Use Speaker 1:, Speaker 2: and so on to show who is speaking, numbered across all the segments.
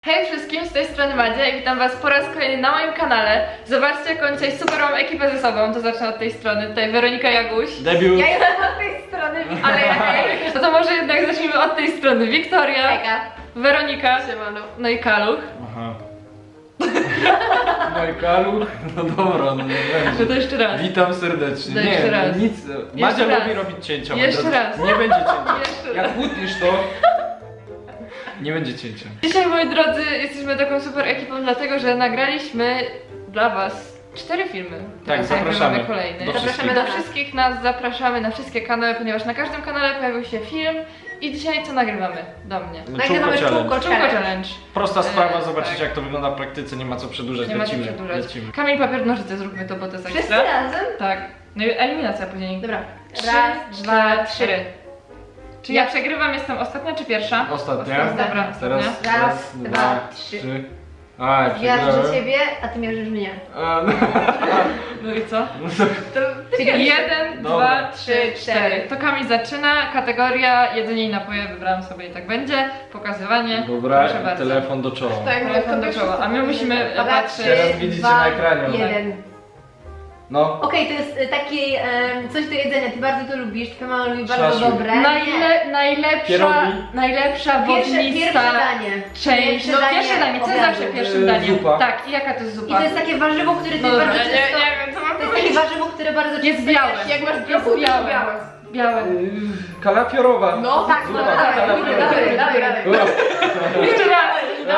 Speaker 1: Hej wszystkim, z tej strony Madzia i witam was po raz kolejny na moim kanale. Zobaczcie, jaką dzisiaj super mam ekipę ze sobą, to zacznę od tej strony. Tutaj Weronika Jaguś.
Speaker 2: Debiut.
Speaker 3: Ja jestem od tej strony,
Speaker 1: Ale hej, no to może jednak zacznijmy od tej strony. Wiktoria,
Speaker 3: Eka.
Speaker 1: Weronika,
Speaker 3: Siemano.
Speaker 1: no i Kaluch.
Speaker 2: Aha. No i Kaluch? No dobra, no nie
Speaker 1: No
Speaker 2: będzie.
Speaker 1: to jeszcze raz.
Speaker 2: Witam serdecznie.
Speaker 1: To
Speaker 2: Nie,
Speaker 1: jeszcze raz.
Speaker 2: nic. Madzia
Speaker 1: raz.
Speaker 2: lubi robić cięcia.
Speaker 1: Jeszcze
Speaker 2: moi drodzy.
Speaker 1: raz.
Speaker 2: Nie będzie cięcia.
Speaker 1: Jeszcze
Speaker 2: Jak
Speaker 1: raz.
Speaker 2: utniesz to, nie będzie cięcia.
Speaker 1: Dzisiaj, moi drodzy, jesteśmy taką super ekipą, dlatego że nagraliśmy dla was 4 filmy. Teraz
Speaker 2: zapraszamy
Speaker 1: nagrywamy kolejny.
Speaker 2: do
Speaker 3: wszystkich.
Speaker 1: Do wszystkich nas zapraszamy na wszystkie kanały, ponieważ na każdym kanale pojawił się film. I dzisiaj co nagrywamy? Do mnie.
Speaker 3: Nagrywamy czółko
Speaker 1: Czółko challenge.
Speaker 2: Prosta sprawa,
Speaker 1: tak.
Speaker 2: zobaczycie jak to wygląda w praktyce, nie ma co przedłużać,
Speaker 1: Nie ma co
Speaker 2: lecimy,
Speaker 1: przedłużać.
Speaker 2: lecimy.
Speaker 1: Kamień, papier, nożyce, zróbmy to, bo to jest
Speaker 3: Wszyscy
Speaker 1: ekstra.
Speaker 3: razem?
Speaker 1: Tak. No i eliminacja później.
Speaker 3: Dobra.
Speaker 1: 3,
Speaker 3: Raz,
Speaker 1: 2, 3. Czy ja
Speaker 3: Ja-
Speaker 1: przegrywam, jestem ostatnia czy pierwsza?
Speaker 2: Ostatnia.
Speaker 1: Dobra,
Speaker 2: Teraz
Speaker 1: ostatnia.
Speaker 3: Raz, dwa, trzy.
Speaker 2: A,
Speaker 3: Mierzę
Speaker 2: przegrałem.
Speaker 3: ciebie, a ty mierzysz mnie.
Speaker 2: A, no.
Speaker 1: No i co?
Speaker 2: No to-
Speaker 3: Czyli
Speaker 1: 1,
Speaker 2: Dobra.
Speaker 1: 2, 3, 4. To Kamil zaczyna. Kategoria jedzenie i napoje. Wybrałam sobie i tak będzie. Pokazywanie.
Speaker 2: Dobra,
Speaker 1: Proszę bardzo.
Speaker 2: telefon do czoła.
Speaker 3: Tak,
Speaker 1: Telefon do czoła. A my musimy
Speaker 3: Dobra,
Speaker 1: patrzeć.
Speaker 2: Teraz widzicie na ekranie.
Speaker 3: 1.
Speaker 2: No.
Speaker 3: Okej, to jest taki coś do jedzenia, ty bardzo to lubisz, twoja mama lubi bardzo
Speaker 2: Szaszłyk.
Speaker 3: dobre. Nie.
Speaker 1: Najlepsza
Speaker 3: Pierwsze
Speaker 1: wodnista
Speaker 3: danie.
Speaker 1: część. No pierwsze danie. Co jest
Speaker 3: obiadu.
Speaker 1: zawsze pierwszym daniem?
Speaker 2: Zupa.
Speaker 1: Tak, i jaka to jest
Speaker 3: I
Speaker 1: zupa?
Speaker 3: to jest takie warzywo, które ty
Speaker 1: No dobra,
Speaker 3: bardzo
Speaker 1: nie
Speaker 3: często...
Speaker 1: wiem co mam
Speaker 3: To jest takie warzywo, które bardzo często...
Speaker 1: Jest białe.
Speaker 3: jesz, Jak masz
Speaker 1: Jest
Speaker 3: brokuł, to
Speaker 1: białe.
Speaker 3: białe.
Speaker 1: Białe.
Speaker 2: Kalafiorowa.
Speaker 3: No tak,
Speaker 2: Zupa,
Speaker 3: no dawaj,
Speaker 2: kalafiorowa.
Speaker 3: dawaj.
Speaker 1: Jeszcze raz.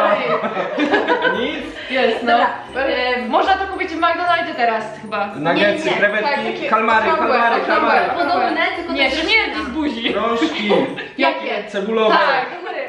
Speaker 2: Nic.
Speaker 1: Jest, no.
Speaker 3: Dobra.
Speaker 1: Można to kupić w McDonaldzie teraz chyba.
Speaker 2: Nuggetsy,
Speaker 3: Nie, nie.
Speaker 2: krewetki,
Speaker 1: Tak, takie
Speaker 2: kalmary.
Speaker 3: Podobne, tylko
Speaker 1: Nie,
Speaker 3: to jest
Speaker 1: śmierdzi z buzi.
Speaker 2: Rączki.
Speaker 3: Jakie?
Speaker 2: Cebulowe.
Speaker 1: Tak.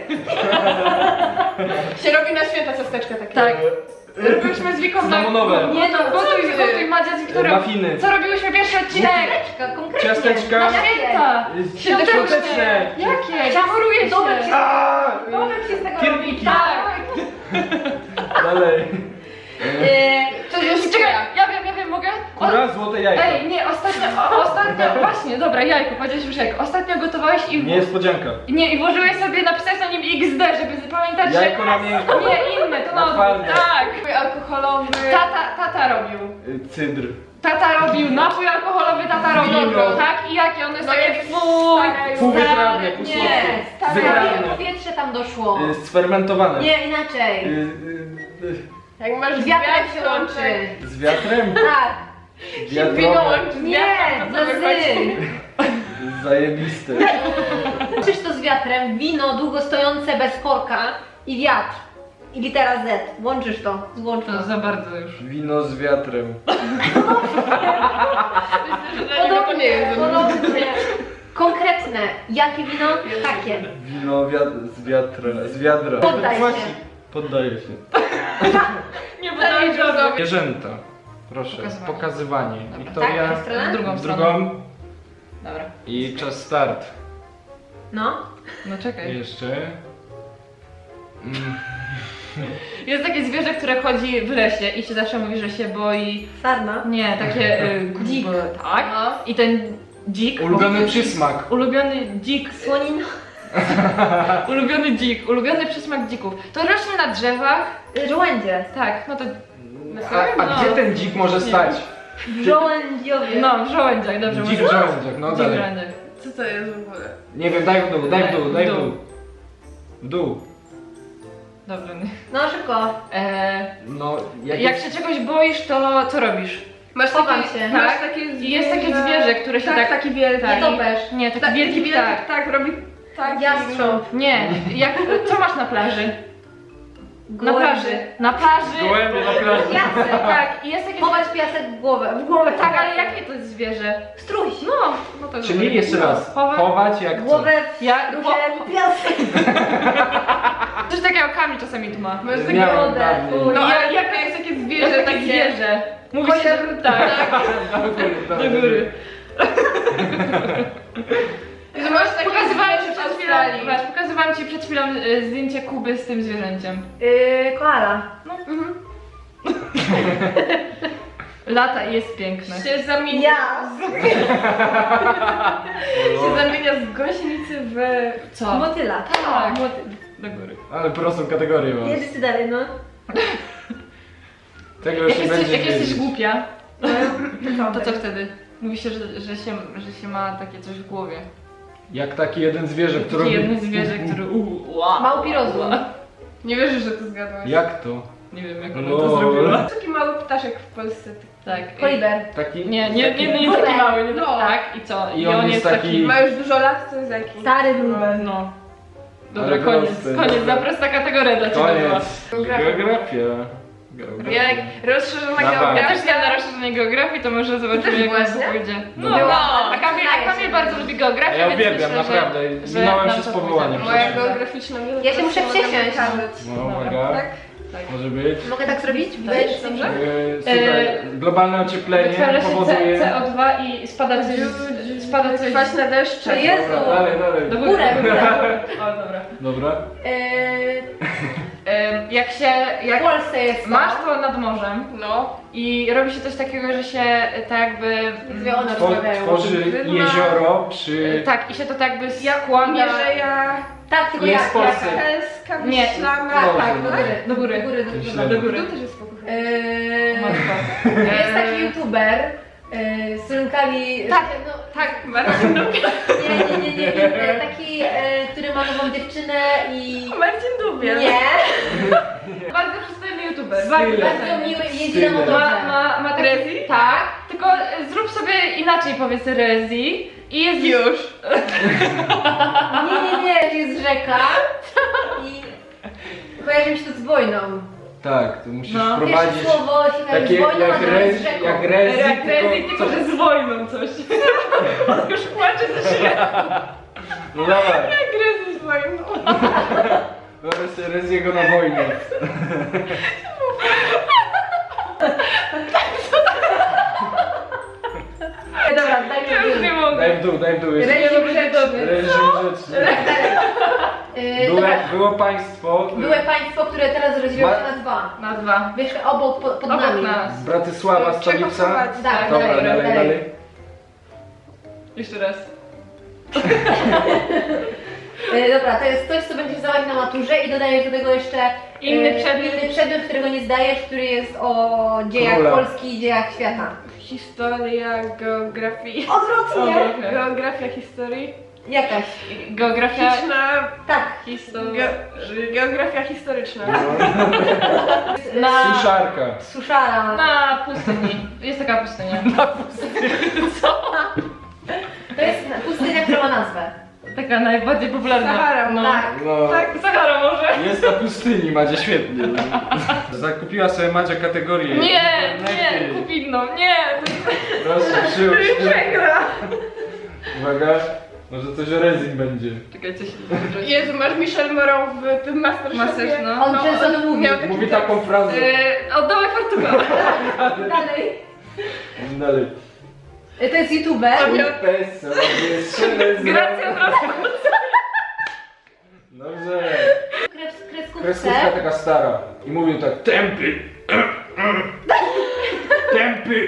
Speaker 4: Się robi na święta ciasteczka takie.
Speaker 1: Tak. Robiłyśmy z Wiką
Speaker 2: Cynamonowe.
Speaker 1: Nie no, gotuj Madzia z Wiktorią.
Speaker 2: Muffiny.
Speaker 1: Co robiłyśmy pierwszy odcinek?
Speaker 3: Ciasteczka, konkretnie.
Speaker 2: Ciasteczka.
Speaker 1: Na święta.
Speaker 2: Świąteczne.
Speaker 1: Jakie? Zamoruję
Speaker 3: Dobre
Speaker 1: się.
Speaker 2: Aaa!
Speaker 3: Dobre się z tego robi.
Speaker 2: Pierniki.
Speaker 1: Tak.
Speaker 2: Dalej.
Speaker 1: To już czekaj, ja wiem, mogę?
Speaker 2: Kura, złote jajko.
Speaker 1: Ej, nie, ostatnio, właśnie, dobra, jajko, powiedziałeś już jajko. Ostatnio gotowałeś i...
Speaker 2: Niespodzianka.
Speaker 1: Nie, i włożyłeś sobie, napisałeś na nim XD, żeby pamiętać, że...
Speaker 2: Jajko na miękko.
Speaker 1: Nie, inne, to na odwrót,
Speaker 2: Napalne.
Speaker 1: tak.
Speaker 4: Napój alkoholowy.
Speaker 1: Tata robił.
Speaker 2: Cydr.
Speaker 1: Tata robił, napój alkoholowy tata robił,
Speaker 2: Wino.
Speaker 1: tak? I jakie one są
Speaker 4: No
Speaker 1: takie
Speaker 4: jak
Speaker 1: fuj,
Speaker 2: Półwytrawne,
Speaker 1: nie,
Speaker 2: półsłodkie.
Speaker 3: Stare
Speaker 2: Wygrane.
Speaker 3: powietrze tam doszło.
Speaker 2: Sfermentowane.
Speaker 3: Nie, inaczej.
Speaker 4: Jak masz
Speaker 3: Z wiatrem
Speaker 4: wiatr,
Speaker 3: się łączy.
Speaker 2: Z wiatrem?
Speaker 3: Tak.
Speaker 4: Wino
Speaker 2: Wiatrowe.
Speaker 4: łączy z
Speaker 3: Nie,
Speaker 4: wiatrem, to
Speaker 3: za
Speaker 4: wychodzi.
Speaker 2: Zajebiste.
Speaker 3: Łączysz to z wiatrem, wino długo stojące bez korka i wiatr. I litera Z. Łączysz to. Złącz to.
Speaker 1: To za bardzo już.
Speaker 2: Wino z wiatrem.
Speaker 4: Nie jest.
Speaker 3: Podobnie. Konkretne. Jakie wino? Takie.
Speaker 2: Wino z wiatra. Z wiadra.
Speaker 3: Poddaj się.
Speaker 2: Właśnie. Poddaję się.
Speaker 1: Nie podałeś do
Speaker 2: Zwierzęta. Proszę.
Speaker 1: Pokazywanie.
Speaker 2: Pokazywanie.
Speaker 1: Dobra.
Speaker 2: Wiktoria.
Speaker 3: Tak, w stronę?
Speaker 1: W drugą
Speaker 2: W
Speaker 1: stronę.
Speaker 2: drugą.
Speaker 1: Dobra,
Speaker 2: I czas start.
Speaker 3: No.
Speaker 1: no czekaj.
Speaker 2: Jeszcze.
Speaker 1: Jest takie zwierzę, które chodzi w lesie i się zawsze mówi, że się boi.
Speaker 3: Sarna.
Speaker 1: Nie, takie dzik. Tak.
Speaker 3: No.
Speaker 1: I ten dzik.
Speaker 2: Ulubiony przysmak.
Speaker 1: Ulubiony dzik.
Speaker 3: Słonina.
Speaker 1: Ulubiony dzik. Ulubiony przysmak dzików. To rośnie na drzewach.
Speaker 3: Żołędzie.
Speaker 1: Tak, no to.
Speaker 2: A
Speaker 1: No.
Speaker 2: gdzie ten dzik może stać?
Speaker 3: Żołędziowie.
Speaker 1: No, w żołędziach, dobrze
Speaker 2: Dzik w
Speaker 1: mówię.
Speaker 2: żołędziach, no
Speaker 1: Dzik w
Speaker 2: dalej.
Speaker 1: żołędziach.
Speaker 4: Co to jest w ogóle?
Speaker 2: Nie wiem, daj w dół, daj w dół, daj w
Speaker 1: W dół.
Speaker 2: dół. W dół.
Speaker 1: Dobrze.
Speaker 3: No szybko.
Speaker 2: No,
Speaker 1: Jak się czegoś boisz, to co robisz?
Speaker 4: Masz
Speaker 3: Chowam
Speaker 4: takie,
Speaker 3: się.
Speaker 4: masz
Speaker 1: Tak.
Speaker 4: takie
Speaker 1: I jest takie zwierzę, które się tak.
Speaker 4: taki wielki.
Speaker 1: tak.
Speaker 3: Nietoperz.
Speaker 1: Nie, taki wielki ptak.
Speaker 4: Tak, robi tak.
Speaker 3: Jastrząb.
Speaker 1: Nie, co masz na plaży? Na
Speaker 3: Gołębie.
Speaker 1: plaży. Na plaży.
Speaker 2: Gołębie na plaży.
Speaker 3: Piasek.
Speaker 1: Tak, i jest takie
Speaker 3: Chować piasek w głowę. W głowę.
Speaker 1: Tak, ale jakie to jest zwierzę?
Speaker 3: Struś.
Speaker 1: No to
Speaker 2: Czyli jeszcze raz.
Speaker 1: Chowa-
Speaker 2: Chować jak co?
Speaker 3: Głowę w
Speaker 1: Ja-
Speaker 3: strusie piasek.
Speaker 1: Coś takiego Kamil czasami tu ma.
Speaker 4: Masz takie
Speaker 2: Miałem
Speaker 3: wodę,
Speaker 2: dawniej.
Speaker 3: fuj.
Speaker 4: No
Speaker 1: Ja-
Speaker 4: ale jaka jest takie zwierzę,
Speaker 1: Jest takie
Speaker 4: takie
Speaker 1: zwierzę. Mówi się, że tak.
Speaker 2: Do góry,
Speaker 1: Do góry.
Speaker 4: że masz takie
Speaker 1: Pokazywałam ci
Speaker 4: zwierzę w
Speaker 1: przed chwilą,
Speaker 4: Australii.
Speaker 1: zobacz, pokazywałam ci przed chwilą zdjęcie Kuby z tym zwierzęciem.
Speaker 3: Koala.
Speaker 1: No. Lata i jest piękne.
Speaker 4: Się zamienia,
Speaker 3: Ja.
Speaker 4: się zamienia z gąsienicy w...
Speaker 1: Co?
Speaker 3: Motyla.
Speaker 1: Tak. Do góry.
Speaker 2: Ale prostą kategorię mam.
Speaker 3: Jedziecie dalej, no.
Speaker 2: Tego już nie będzie
Speaker 1: Jak jesteś
Speaker 2: wiedzieć.
Speaker 1: głupia, to co wtedy? Mówi się, że się ma takie coś w głowie.
Speaker 2: Jak taki jeden zwierzę, który...
Speaker 1: Takie jedno zwierzę, które
Speaker 3: Małpi rozum.
Speaker 4: Nie wierzysz, że to zgadłaś.
Speaker 2: Jak to?
Speaker 1: Nie wiem jak
Speaker 2: No.
Speaker 1: ona to zrobiła.
Speaker 4: Taki mały ptaszek w Polsce.
Speaker 1: Tak.
Speaker 3: Koliber.
Speaker 2: Taki...
Speaker 1: Nie taki mały, nie
Speaker 4: No.
Speaker 1: tak i co?
Speaker 2: I on jest taki-
Speaker 4: Ma już dużo lat, to jest jaki?
Speaker 3: Stary bluber.
Speaker 1: No. Dobra,
Speaker 2: Ale
Speaker 1: koniec,
Speaker 2: prosty.
Speaker 1: koniec, za prosta kategoria dla ciebie była.
Speaker 2: Koniec. Geografia.
Speaker 1: Jak rozszerzona
Speaker 2: Dawaj.
Speaker 1: geografia. Ja też miałam na rozszerzonej geografii, to może zobaczymy
Speaker 4: Też
Speaker 1: jak
Speaker 4: byłaś,
Speaker 1: nam
Speaker 4: nie?
Speaker 1: pójdzie.
Speaker 2: No.
Speaker 1: No,
Speaker 3: Byłam.
Speaker 1: a Kamil bardzo lubi geografię,
Speaker 2: Ja
Speaker 1: więc
Speaker 2: uwielbiam,
Speaker 1: myślę,
Speaker 2: naprawdę.
Speaker 1: że
Speaker 2: Minąłem
Speaker 1: nam
Speaker 2: się z
Speaker 1: to
Speaker 2: powołaniem.
Speaker 1: pójdzie.
Speaker 4: Moja geograficzna wiedza.
Speaker 3: Ja się muszę
Speaker 4: to mogę
Speaker 3: przesiąść.
Speaker 4: wykazać.
Speaker 2: No, uwaga.
Speaker 4: Tak?
Speaker 2: Może być.
Speaker 3: Mogę tak zrobić?
Speaker 1: Weź, dobrze?
Speaker 2: Słuchaj, globalne ocieplenie
Speaker 1: Wytwarza się
Speaker 2: powoduje...
Speaker 1: CO2 i spada coś...
Speaker 4: Kwaśne deszcze.
Speaker 3: To jest-
Speaker 2: Dobra, dalej, dalej.
Speaker 1: Do
Speaker 3: Górę, górę.
Speaker 1: O, dobra.
Speaker 2: Dobra.
Speaker 1: Jak
Speaker 3: W Polsce jest
Speaker 1: masz to nad morzem
Speaker 4: No.
Speaker 1: i robi się coś takiego, że się tak jakby...
Speaker 3: Dwie one rozmawiają.
Speaker 2: Tworzy jezioro przy...
Speaker 1: Tak, i się to tak jakby składa...
Speaker 4: Mierzeja,
Speaker 3: Tak, tylko
Speaker 2: Jest
Speaker 3: ja.
Speaker 2: w Polsce.
Speaker 4: Helska,
Speaker 1: Nie.
Speaker 4: Wyślana.
Speaker 3: Tak, tak,
Speaker 2: Dobrze.
Speaker 3: do góry.
Speaker 1: Do góry.
Speaker 3: Do góry.
Speaker 2: Myślę.
Speaker 1: Do góry.
Speaker 4: Tu też jest spokój.
Speaker 3: Jest taki youtuber, z którym Kali...
Speaker 1: Tak.
Speaker 3: No,
Speaker 1: Tak, Marcin lubi.
Speaker 3: nie. Taki, który ma nową dziewczynę i...
Speaker 4: Marcin Dubiel.
Speaker 3: Nie.
Speaker 1: Bardzo przystojny youtuber.
Speaker 2: Style.
Speaker 3: Bardzo miły i jeździ na
Speaker 2: Style.
Speaker 3: motorze.
Speaker 1: Ma taki...
Speaker 4: Rezi?
Speaker 1: Tak, tylko zrób sobie inaczej powiedz Rezi i jest...
Speaker 4: Już.
Speaker 3: Nie, to jest rzeka i kojarzy mi się to z wojną.
Speaker 2: Tak, to musisz
Speaker 1: No.
Speaker 2: wprowadzić
Speaker 3: Pierwsze słowo się kojarzy
Speaker 2: takie
Speaker 3: z wojną, a
Speaker 2: jak
Speaker 3: drugie z
Speaker 2: rezi,
Speaker 3: rzeką.
Speaker 2: jak rezi,
Speaker 1: Jak Rezi,
Speaker 2: tylko...
Speaker 1: tylko że z wojną coś. Już płaczę ze śmiechu.
Speaker 2: No dawaj,
Speaker 4: Jak Rezi z wojną.
Speaker 2: wyobraź sobie Reziego na wojnie.
Speaker 3: Dobra, daj
Speaker 1: Ja już nie
Speaker 3: mi
Speaker 1: mogę.
Speaker 2: Daj w dół. Jest
Speaker 3: Reżim grzeczny.
Speaker 2: reżim grzeczny. Było państwo
Speaker 3: Były państwo, które teraz rozdzieliło się
Speaker 2: Ma-
Speaker 3: na dwa.
Speaker 1: Na dwa.
Speaker 3: Wiesz, obok, pod
Speaker 1: Obok
Speaker 3: nami.
Speaker 1: nas.
Speaker 2: z Bratysława, stolica.
Speaker 4: Czechosłowacja.
Speaker 3: Tak,
Speaker 2: Dobra,
Speaker 3: dalej.
Speaker 2: dalej.
Speaker 1: Jeszcze raz.
Speaker 3: Dobra, to jest coś, co będziesz zdawać na maturze i dodajesz do tego jeszcze
Speaker 1: Inny przedmiot.
Speaker 3: inny przedmiot, którego nie zdajesz, który jest o dziejach
Speaker 2: Króla.
Speaker 3: Polski i dziejach świata.
Speaker 4: Historia geografii.
Speaker 3: Odwrotnie!
Speaker 4: Geografia historii.
Speaker 3: Jakaś.
Speaker 1: Geografia...
Speaker 4: Historyczna.
Speaker 3: Tak.
Speaker 1: Historia...
Speaker 4: Geografia historyczna.
Speaker 1: Na...
Speaker 2: Suszarka.
Speaker 3: Suszara.
Speaker 1: Na pustyni. Jest taka pustynia.
Speaker 3: To jest pustynia, która ma nazwę.
Speaker 1: Taka najbardziej popularna.
Speaker 4: Sahara.
Speaker 1: No.
Speaker 3: Tak.
Speaker 2: No.
Speaker 4: Tak.
Speaker 1: Sahara może?
Speaker 2: Jest na pustyni, Madzia, świetnie. Zakupiła sobie Madzia kategorię.
Speaker 1: Nie,
Speaker 2: Internety.
Speaker 1: kup inną, nie.
Speaker 2: Proszę, przyłóż się.
Speaker 4: Przegra.
Speaker 2: Uwaga, może coś o Rezin będzie.
Speaker 1: Czekaj, coś...
Speaker 4: Jezu, masz Michelle Moreau w tym Masterchefie.
Speaker 1: Masterchef, no.
Speaker 3: On często to mówi.
Speaker 4: miał taki
Speaker 2: Mówi
Speaker 4: tekst.
Speaker 2: taką frazę.
Speaker 1: Oddawaj fartucha.
Speaker 3: Dalej.
Speaker 2: Dalej.
Speaker 3: To jest youtuber.
Speaker 2: Peso, jest Rezin.
Speaker 1: Gracja od razu.
Speaker 2: Dobrze.
Speaker 3: Kreskówce.
Speaker 2: Kreskówka taka stara. I mówił tak, tępy. Tępy.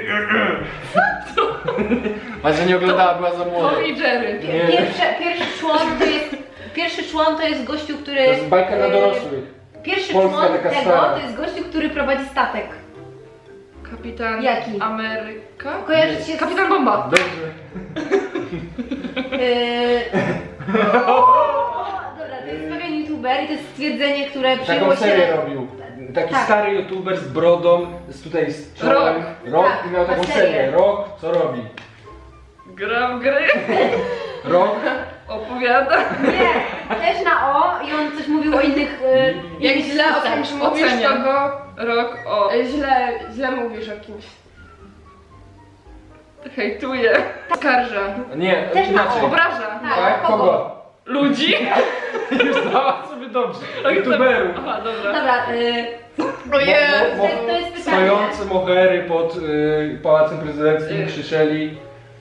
Speaker 2: Madzia nie oglądała, była za młoda.
Speaker 1: Tom i Jerry.
Speaker 2: Nie.
Speaker 3: Pierwszy człon to jest gościu, który...
Speaker 2: To jest bajka dla dorosłych.
Speaker 3: Pierwszy
Speaker 2: Polska
Speaker 3: człon
Speaker 2: taka
Speaker 3: tego
Speaker 2: stara.
Speaker 3: to jest gościu, który prowadzi statek.
Speaker 1: Kapitan
Speaker 3: Jaki?
Speaker 1: Ameryka?
Speaker 3: Kojarzy się z...
Speaker 1: Kapitan Bomba.
Speaker 2: Dobrze.
Speaker 3: Dobra, to jest pewien youtuber i to jest stwierdzenie, które
Speaker 2: Taką
Speaker 3: przyjęło
Speaker 2: serię
Speaker 3: się...
Speaker 2: robił. Taki
Speaker 3: Tak.
Speaker 2: stary youtuber z brodą, tutaj z czołem. Rok
Speaker 3: Tak,
Speaker 2: i miał taką
Speaker 3: ma serię.
Speaker 2: serię. Rok, co robi?
Speaker 1: Gra w gry.
Speaker 2: Rok,
Speaker 1: Opowiada.
Speaker 3: Nie, też na O i on coś mówił o innych...
Speaker 4: Jak
Speaker 3: innych
Speaker 4: źle o
Speaker 3: sztucach.
Speaker 4: kimś mówisz,
Speaker 1: Oceniam.
Speaker 4: to go...
Speaker 1: Rok o...
Speaker 4: Źle mówisz o kimś.
Speaker 1: Hejtuje. Skarża.
Speaker 2: nie,
Speaker 3: Też na
Speaker 2: inaczej.
Speaker 3: O.
Speaker 1: Obraża.
Speaker 2: Tak? Kogo?
Speaker 1: Ludzi.
Speaker 2: Już dała sobie dobrze. YouTuberów.
Speaker 1: Aha, dobra.
Speaker 3: Dobra,
Speaker 4: Ojej.
Speaker 3: to jest pytanie.
Speaker 2: Stojące mohery pod Pałacem Prezydenckim krzyczeli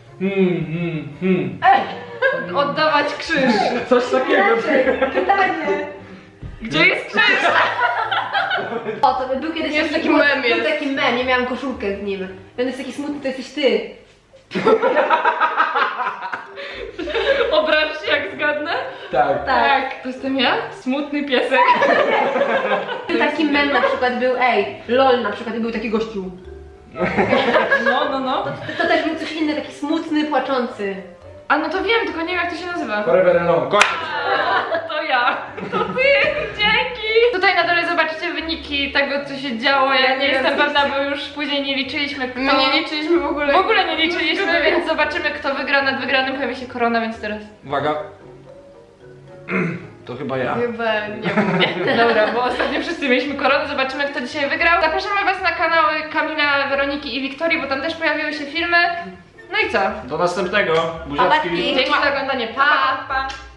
Speaker 1: Oddawać krzyż.
Speaker 2: Coś takiego.
Speaker 3: Pytanie.
Speaker 1: Gdzie jest krzyż?
Speaker 3: O, to był kiedyś
Speaker 4: Jest taki
Speaker 3: był
Speaker 4: mem
Speaker 3: Był
Speaker 4: jest.
Speaker 3: taki mem, ja miałam koszulkę z nim. Ten jest taki smutny, to jesteś ty.
Speaker 1: Obraź się jak zgadnę?
Speaker 2: Tak.
Speaker 3: Tak.
Speaker 1: To jestem ja? Smutny piesek.
Speaker 3: Taki mem na przykład był, LOL na przykład i był taki gościu.
Speaker 1: No.
Speaker 3: To też był coś inny, taki smutny, płaczący.
Speaker 1: A no to wiem, tylko nie wiem jak to się nazywa.
Speaker 2: Forever Alone, koniec.
Speaker 1: To ja. To ty, dzięki. Tutaj na dole zobaczycie wyniki tego, co się działo. Ja nie jestem pewna, bo już później nie liczyliśmy kto...
Speaker 4: My nie liczyliśmy w ogóle.
Speaker 1: W ogóle nie liczyliśmy, więc zobaczymy kto wygra. Nad wygranym pojawi się korona, więc teraz...
Speaker 2: Uwaga. To chyba ja.
Speaker 4: Chyba nie mówię.
Speaker 1: Dobra, bo ostatnio wszyscy mieliśmy koronę, zobaczymy kto dzisiaj wygrał. Zapraszamy was na kanały Kamila, Weroniki i Wiktorii, bo tam też pojawiły się filmy. No i co?
Speaker 2: Do następnego. Buziaczki.
Speaker 3: Babaki.
Speaker 1: Dzięki za oglądanie, pa!
Speaker 3: Pa!